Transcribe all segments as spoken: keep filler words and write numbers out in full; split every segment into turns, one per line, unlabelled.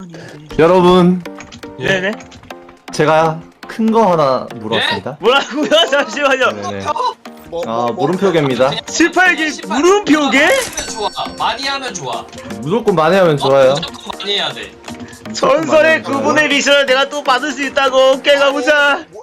여러분,
네네.
제가 큰 거 하나 물었습니다.
뭐라고요? 잠시만요.
네네.
뭐,
아,
뭐,
물음표계입니다.
십팔 개 물음표게?
좋아. 많이 하면 좋아.
무조건 많이 하면 좋아요.
어, 무조건 많이 해야 돼.
전설의
좋아요.
그분의 미션을 내가 또 받을 수 있다고. 오케이, 가보자.
뭐,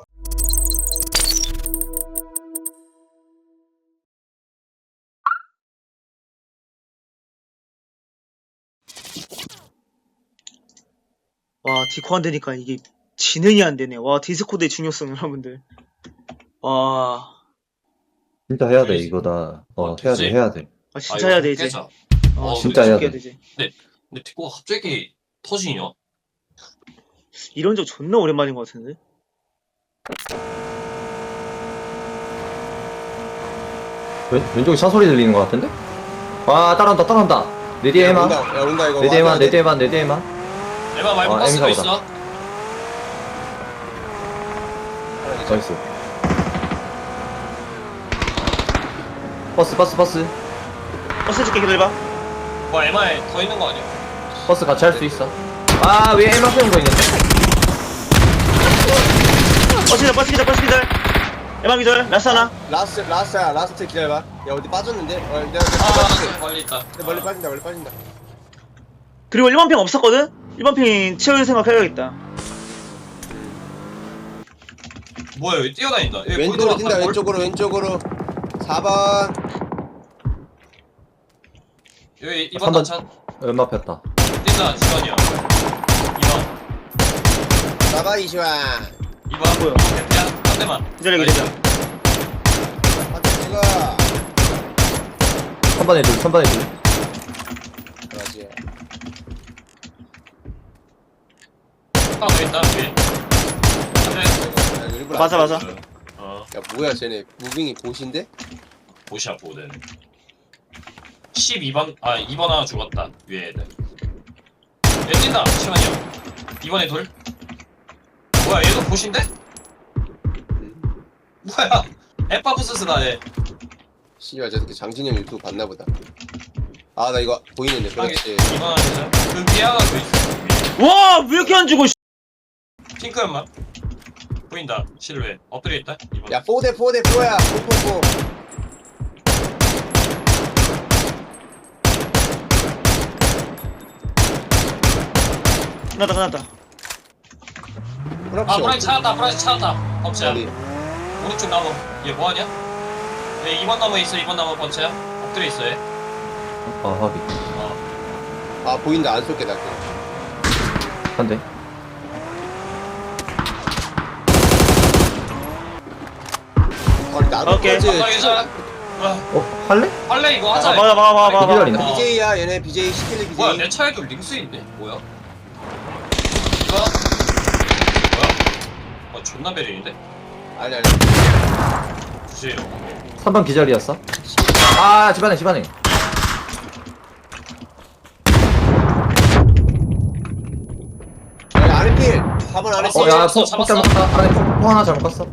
와, 디코 안 되니까 이게 진행이 안 되네. 와, 디스코드의 중요성, 여러분들. 와,
진짜 해야 돼, 이거다. 어,
어,
해야 돼,
되지.
해야 돼.
아 진짜 해야 돼, 이제.
깨자.
어,
어,
진짜 해야
해야
돼.
되지.
근데 디코가 갑자기 터지냐?
이런 적 존나 오랜만인 것 같은데?
왼, 왼쪽에 차 소리 들리는 것 같은데? 와, 따라온다, 따라온다. 내 뒤에
야,
에마.
온다, 야, 온다, 이거.
내 뒤에 에마,
와야
내
돼.
뒤에 에마, 내 뒤에 에마.
에바 말고
어,
버스도
M사보다.
있어.
나이스. 버스, 버스, 버스.
버스 줄게, 기다려봐.
뭐 에마에 더 있는 거 아니야?
버스 같이 할 수 있어. 아, 위에 에마 세운 거 있는데?
버스 기다, 버스 기다, 버스 기다. 에마 기절, 라스 하나.
라스트, 라스트야, 라스트 기다려봐. 야, 어디 빠졌는데? 어, 내가, 내가
아,
빠졌지.
멀리 있다.
근데 멀리 빠진다, 멀리 빠진다.
그리고 일 번 핑 없었거든? 일 번 핑 채울 생각 해야겠다.
뭐야 여기 뛰어다닌다. 여기
왼쪽으로
골
뛴다,
돌아왔다, 골.
왼쪽으로, 왼쪽으로. 사 번.
여기 이번
삼 번.
단차
얼마 폈다.
뛴다. 지원이야. 이 번.
사 번 이시환.
이 번.
뭐야?
대피야. 한 대만.
기다려, 기다려.
한대 찍어.
삼 번에 둘, 삼 번에 둘.
그렇지.
하나 더 있다. 위에. 한 대.
야, 이거 일부러
맞아,
안
맞아.
찍었어.
어.
야, 뭐야, 쟤네. 무빙이 보신데?
보시야 보든. 십이 번. 아 이 번 하나 죽었다. 위에 애들. 얘 뛴다. 잠시만요. 이번에 돌. 뭐야 얘도 보신데? 뭐야? 에파부스스다 얘.
씨발, 저 새끼 장진영 유튜브 봤나보다. 아, 나 이거 보이는데, 그렇지.
이번 하나 되죠? 그 위에 하나 더 있어.
와, 왜 이렇게 안 죽어, 씨.
핑크 연마. 보인다. 실루엣. 엎드려 있다. 이번.
야, 사 대 사 대 사야. 사, 사, 사.
끝났다, 끝났다.
아 브라이 찾았다. 브라이 찾았다. 범채야.
어디?
오른쪽 나무. 얘 뭐하냐? 얘 이번 나무에 있어. 이번 나무 범채야. 엎드려 있어 얘.
아, 확인.
어.
아, 보인다. 안 쏠게, 나. 그거.
한 대.
아니, 나도
오케이.
그거지.
아 괜찮아. 아
어, 할래?
할래 이거 하자.
아, 맞아, 맞아, 맞아, 맞아.
기다리네.
어.
비제이야, 얘네 비제이 시킬래 비제이.
뭐야 내 차에도 링스 있네. 뭐야? 이거? 뭐야? 아 존나 베린인데?
아니 아니.
주세요.
삼 번 기절이었어. 아, 집안에, 집안에.
아니 아래 필. 사 번 아래
어,
필.
어, 야,
잡았어,
폭, 폭
잡았어.
잘못 갔다. 안에 폭, 폭 하나 잘못 갔어.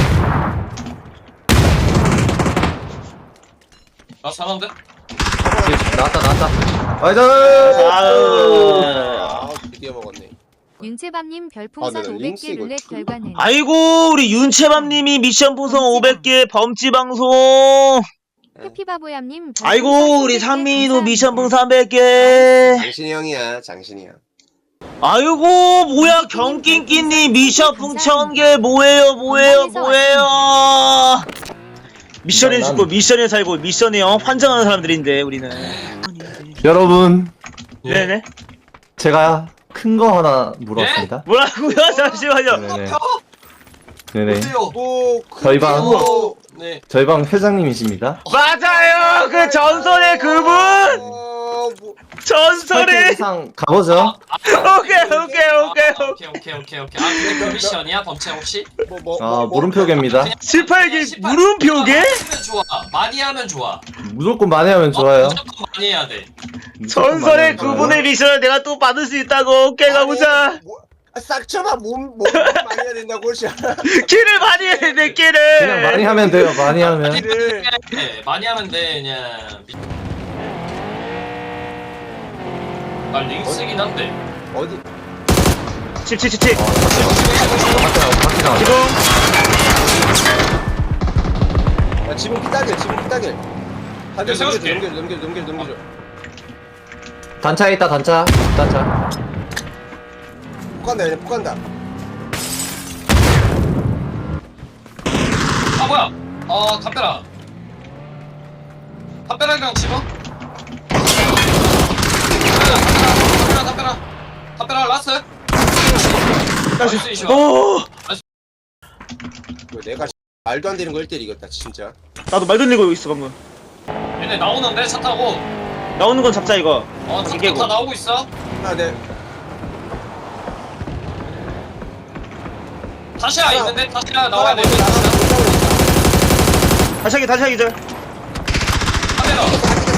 나 사는데?
나왔다, 나왔다. 나이스!
아우.
아, 드디어 먹었네.
윤채밤님
아,
별풍선
내가
오백
링스
개
이거
룰렛
좀-
결과는
아이고, 우리 윤채밤님이 미션 풍선 오백 개 범지 방송.
해피바보얌님
아이고, 우리 상민이도 미션 풍선 삼백 개.
장신이 형이야, 장신이 형.
아이고, 뭐야, 경낀끼님 미션 풍 천 개. 뭐예요, 뭐예요, 뭐예요. 미션에
난-
죽고, 미션에 살고, 미션에 어, 환장하는 사람들인데, 우리는.
여러분,
예.
네네.
제가 큰 거 하나 물었습니다.
뭐라고요? 잠시만요.
네네. 네네.
어때요?
오,
저희 방.
오,
네.
저희 방 회장님이십니다.
맞아요! 그 전설의 그분!
어, 뭐,
팔 개
전설의!
이상 가보죠.
오케이, 오케이, 오케이,
아,
오케이.
오케이 오케이 오케이 오케이. 아 근데 그 미션이야 범채 혹시?
뭐, 뭐,
아,
뭐, 뭐.
물음표계입니다.
십팔 개 물음표게?
많이 하면 좋아. 많이 하면 좋아.
무조건 많이 하면 좋아요.
어, 무조건 많이 해야 돼.
무조건 많이
전설의
하면 좋아요.
그분의 미션을 내가 또 받을 수 있다고. 오케이, 가보자.
아니, 뭐, 아, 싹 쳐봐. 몸, 몸 많이 해야 된다고, 씨.
키를 많이 해야 돼, 키를.
그냥 많이 하면 돼요. 많이 하면.
많이
네.
해. 많이 하면 돼 그냥. 미- 나 링스긴 한데.
어디?
집, 집, 집, 집.
어, 밖에 나가. 밖에 나가.
지금.
야, 지붕 피따길, 지붕 피따길. 한대
내가 세워줄게.
넘겨줘, 넘겨줘, 넘겨줘, 넘겨줘.
단차에 있다, 단차. 단차.
폭 간다, 얘네 폭 간다.
아 뭐야? 어 담벼락. 담벼락이랑 집어? 담벼락, 담벼락, 담벼락 라스. 나이스 이시와.
오!
이거 내가 말도 안 되는 걸 일 대일 이겼다, 진짜.
나도 말도 안 되고 있어, 방금.
얘네 나오는데 차 타고.
나오는 건 잡자, 이거.
어, 차
이게
다 나오고 있어.
하나, 네.
다시야 있는데 다시야 나와야 돼.
먼저 나가서 못 나오고 있다.
다시 하기, 다시 하기, 절.
담벼락.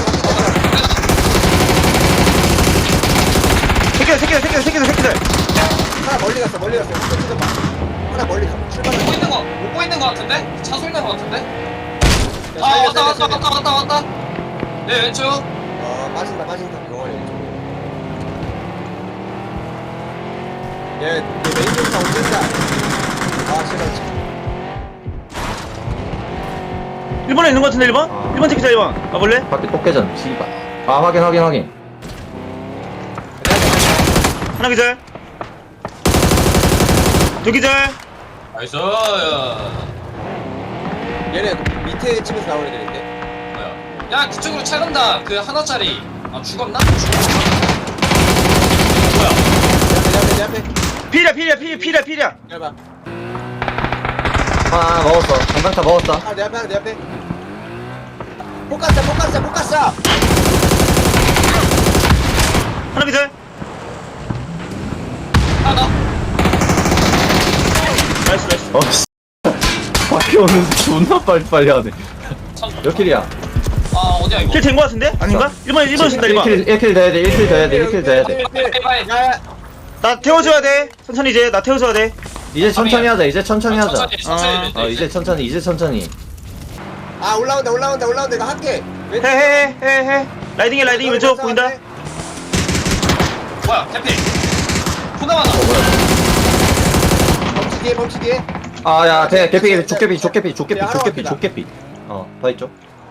새끼들, 새끼들, 새끼들, 새끼들, 새끼들.
하나 멀리 갔어, 멀리 갔어. 뜯어 봐. 하나 멀리 가. 출발.
못 보이는 거, 못 보이는 거 같은데? 차 소리 나는 거 같은데?
야,
아
살려,
왔다
살려,
왔다
살려.
왔다 왔다 왔다. 내 왼쪽.
어, 빠진다, 빠진다. 병원에 왼쪽. 얘, 얘 메인 쪽다 온다. 아, 제발.
일 번에 있는 거 같은데, 일 번?
아.
일 번 새끼자, 일 번. 가볼래?
밖에 똑개전. 씨발. 아, 확인, 확인, 확인.
하나 기절. 두 기절.
나이스.
얘네 밑에 집에서 나오는 애들인데.
뭐야? 야 그쪽으로 차 간다. 그 하나짜리. 아 죽었나? 죽었나? 뭐야?
내 앞에, 내 앞에, 내 앞에.
필이야, 필이야, 필, 필이야, 필이야.
기다려봐.
아, 먹었어. 전방차 먹었어.
아, 내 앞에, 하나, 내 앞에. 폭 갔어, 폭 갔어, 폭 갔어.
하나 기절.
하나.
나이스, 나이스.
어, 씨. 밖에 오는데 존나 빨리빨리 하네.
참.
몇 킬이야?
아 어디야 이거?
킬 된 거 같은데? 아닌가? 일 번, 일 번 쓴다, 일 번.
일 킬, 일 킬 돼야 돼, 일 킬 돼야 돼, 일 킬 돼야 돼.
빨리.
야, 야.
나 태워줘야 돼. 천천히 이제, 나 태워줘야 돼.
이제 천천히 하자, 이제 천천히 하자.
천천히 천천히.
어, 이제 천천히, 이제 천천히.
아, 올라온다, 올라온다, 올라온다. 이거 할게.
해, 해, 해, 해, 해. 라이딩해, 라이딩 왼쪽 보인다.
뭐야? 해피. 포나마나.
어, 뭐야.
멈치 뒤에, 멈치 뒤에.
아, 야, 대, 개피, 족개피, 족개피, 족개피,
야,
족개피,
하나
족개피. 어, 더 있죠.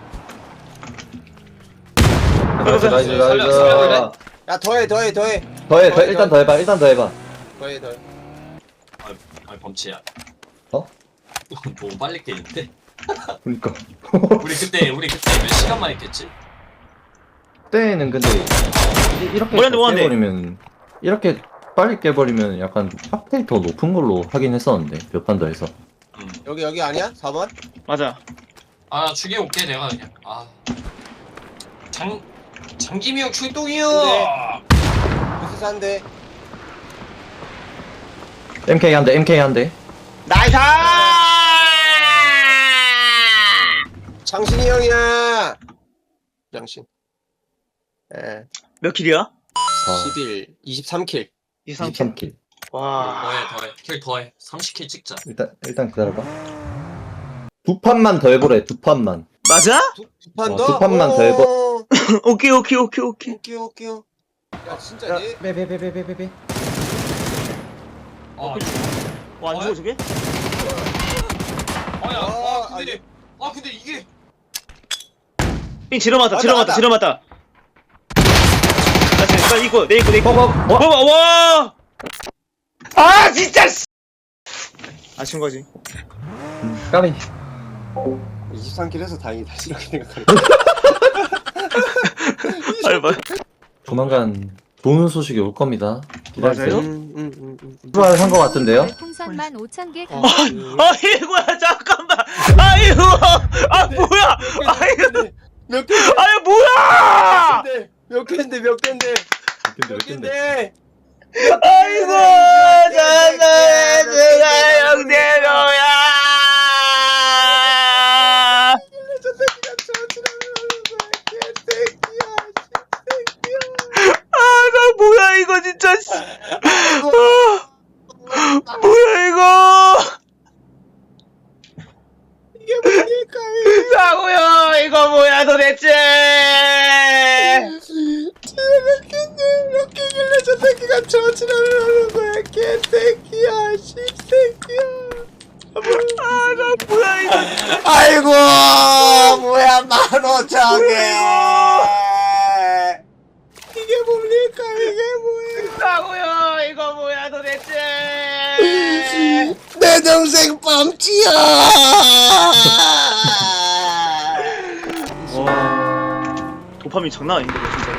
가자,
나이스, 나이스,
살려,
나이스.
살려,
야, 더해, 더해, 더해.
더해, 더, 일단 더 해봐, 일단 더 해봐.
더해, 더해.
아, 아 범치야.
어?
너무 빨리 깨는데?
그니까.
우리 그때 우리 그때 몇 시간만 했겠지?
그때는 근데, 이- 이렇게
뭐였는데, 뭐였는데?
깨버리면, 이렇게 빨리 깨버리면 약간 확률이 더 높은 걸로 하긴 했었는데, 몇 판 더 해서.
응.
여기, 여기 아니야? 사 번?
맞아.
아 죽여 올게 내가 그냥. 아. 장 장기미형 출동이요.
네. 부스 한대.
엠케이 한 대, 엠케이 한 대.
나이스!
장신이 형이야. 장신. 예.
몇 킬이야?
아,
십일, 이십삼 킬.
이십삼 킬.
이십삼 킬.
와.
더해 더해 킬 더해. 삼십 킬 찍자.
일단, 일단 기다려봐. 두 판만 더 해보래, 두 판만.
맞아?
두, 두 판
어,
더?
두 판만 더 해봐.
오,
오케이, 오케이, 오케이, 오케이.
오케이, 오케이. 야, 진짜
야,
얘.
빼, 빼, 빼, 빼, 빼, 빼, 빼.
아,
와, 안 죽어, 저게?
아야.
어,
아 근데 아 근데 이게
삥 지러 맞다,
맞다,
지러 맞다,
맞다.
지러 맞다. 나 지금 빨리 이거, 내 이거, 내 이거.
어, 어, 어?
봐봐, 와! 아, 진짜! 씨. 아쉬운 거지.
까비.
이십삼 킬 해서 다행이다. 이렇게 생각하네.
빨리, 빨리.
조만간 좋은 소식이 올 겁니다. 기다리세요.
맞아요?
음, 음, 음, 음.
출발한 것 같은데요?
풍선만 오천 개
어.
감사합니다.
아이고야, 잠깐만! 아이고! 아, 뭐야! 아이고!
몇 개?
아이, 뭐야!
몇 개인데 몇 개인데
근데
몇 개인데?
아이고! 잘한다, 내가 영대로야!
저 새끼가 저지랄하는 개새끼야,
아, 나 뭐야, 이거 진짜, 씨. 아, 뭐야, 이거!
이게 뭡니까?
사고요, 이거 뭐야, 도대체!
몇 개인데 몇 개길래 저 새끼가 저지랄을 하는 거야, 개새끼야. 멍청해. 이게 뭡니까? 이게 뭐야?
싸고요 이거 뭐야 도대체.
내 동생 뻥치야.
와 도파민 장난 아닌데 이거 진짜.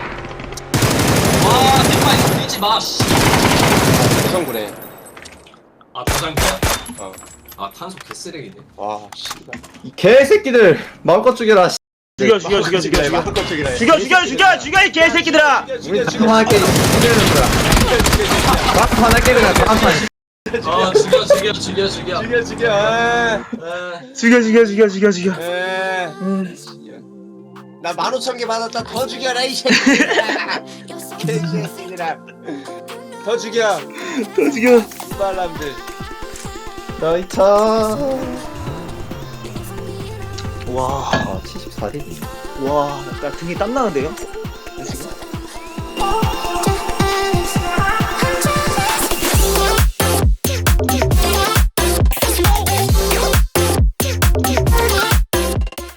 와 대파이 밀지 마 씨.
구성구네.
아 도장이야?
어.
아 탄소 개쓰레기네.
와 씨발.
이 개새끼들 마음껏 죽여라. 씨.
죽여 죽여 죽여 죽여 죽여
마음껏 죽이라.
죽여 죽여 죽여 죽여 이 개새끼들아.
우리 다음 할게 죽이는 거야. 다음 판 할게 그냥 다음 판.
아 죽여 죽여 죽여 죽여.
죽여 죽여. 아.
에.
죽여 죽여 죽여 죽여 죽여.
에.
음.
나 만 오천 개 받았다. 더 죽여라 이 새끼들아. 개새끼들아. 더 죽여.
더 죽여.
이발람들.
나이 차.
와.
아 칠십사 대.
와, 나 등이 땀 나는데요? 지금?